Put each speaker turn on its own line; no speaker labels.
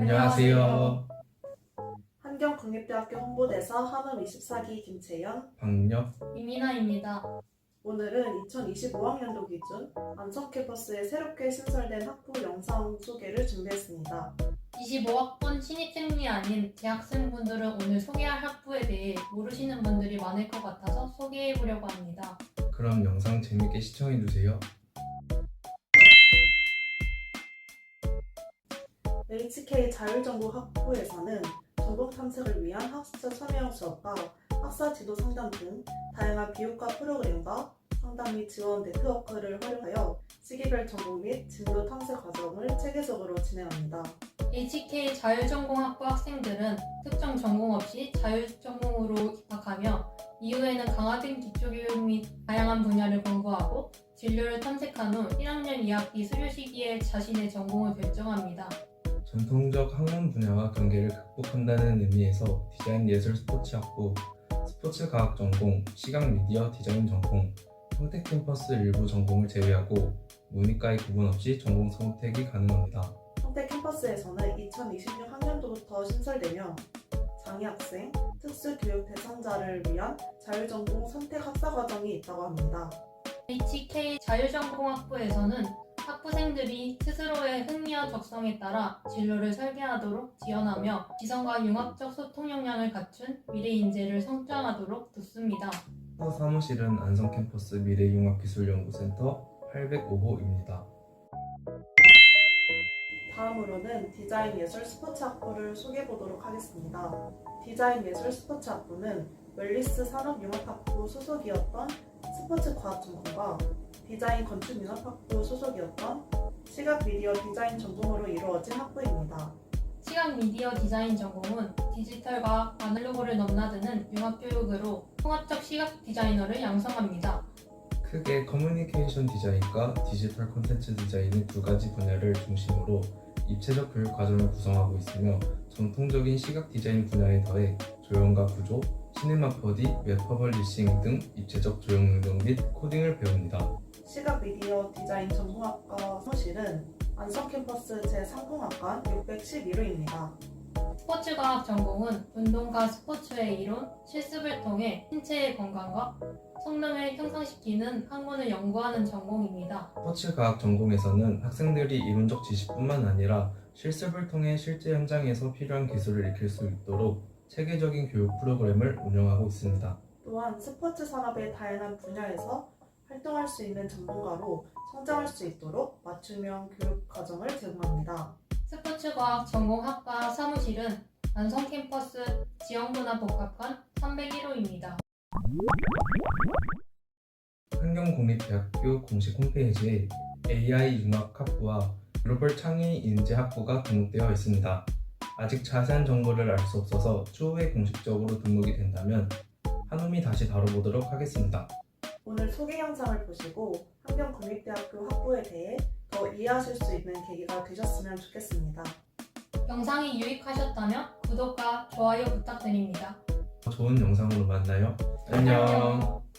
안녕하세요.
한경국립대학교 홍보대사 한음 24기 김채연,
박력.
이민아입니다.
오늘은 2025학년도 기준 안성캠퍼스에 새롭게 신설된 학부 영상 소개를 준비했습니다.
25학번 신입생이 아닌 재학생분들은 오늘 소개할 학부에 대해 모르시는 분들이 많을 것 같아서 소개해보려고 합니다.
그럼 영상 재밌게 시청해주세요.
HK 자율전공 학부에서는 전공 탐색을 위한 학습자 참여형 수업과 학사 지도 상담 등 다양한 비교과 프로그램과 상담 및 지원 네트워크를 활용하여 시기별 전공 및 진도 탐색 과정을 체계적으로 진행합니다.
HK 자율전공학부 학생들은 특정 전공 없이 자율전공으로 입학하며 이후에는 강화된 기초교육 및 다양한 분야를 공부하고 진로를 탐색한 후 1학년 2학기 수료 시기에 자신의 전공을 결정합니다.
전통적 학문 분야와 경계를 극복한다는 의미에서 디자인 예술 스포츠 학부, 스포츠 과학 전공, 시각 미디어 디자인 전공, 평택 캠퍼스 일부 전공을 제외하고 문이과에 구분 없이 전공 선택이 가능합니다.
평택 캠퍼스에서는 2026학년도부터 신설되며 장애학생, 특수교육 대상자를 위한 자율전공 선택 학사과정이 있다고 합니다.
HK 자율전공학부에서는 학부생들이 스스로의 흥미와 적성에 따라 진로를 설계하도록 지원하며 지성과 융합적 소통 역량을 갖춘 미래 인재를 성장하도록 돕습니다.
학사 사무실은 안성캠퍼스 미래융합기술연구센터 805호입니다.
다음으로는 디자인 예술 스포츠 학부를 소개해 보도록 하겠습니다. 디자인 예술 스포츠 학부는 웰리스 산업융합학부 소속이었던 스포츠 과학 전공과 디자인 건축융합학부 소속이었던 시각 미디어 디자인 전공으로 이루어진 학부입니다.
시각 미디어 디자인 전공은 디지털과 아날로그를 넘나드는 융합교육으로 통합적 시각 디자이너를 양성합니다.
크게 커뮤니케이션 디자인과 디지털 콘텐츠 디자인의 두 가지 분야를 중심으로 입체적 교육 과정을 구성하고 있으며 전통적인 시각 디자인 분야에 더해 조형과 구조, 시네마 4D, 웹 퍼블리싱 등 입체적 조형 능력 및 코딩을 배웁니다.
시각 미디어 디자인 전공학과 사무실은 안성캠퍼스 제3공학관 611호입니다.
스포츠과학 전공은 운동과 스포츠의 이론, 실습을 통해 신체의 건강과 성능을 향상시키는 학문을 연구하는 전공입니다.
스포츠 과학 전공에서는 학생들이 이론적 지식뿐만 아니라 실습을 통해 실제 현장에서 필요한 기술을 익힐 수 있도록 체계적인 교육 프로그램을 운영하고 있습니다.
또한 스포츠 산업의 다양한 분야에서 활동할 수 있는 전문가로 성장할 수 있도록 맞춤형 교육 과정을 제공합니다.
스포츠과학 전공학과 사무실은 안성 캠퍼스 지역문화복합관 301호입니다.
한경국립대학교 공식 홈페이지에 AI 융합학부와 글로벌 창의 인재학부가 등록되어 있습니다. 아직 자세한 정보를 알 수 없어서 추후에 공식적으로 등록이 된다면 한음이 다시 다뤄보도록 하겠습니다.
오늘 소개 영상을 보시고 한경국립대학교 학부에 대해 더 이해하실 수 있는 계기가 되셨으면 좋겠습니다.
영상이 유익하셨다면 구독과 좋아요 부탁드립니다.
좋은 영상으로 만나요. 안녕.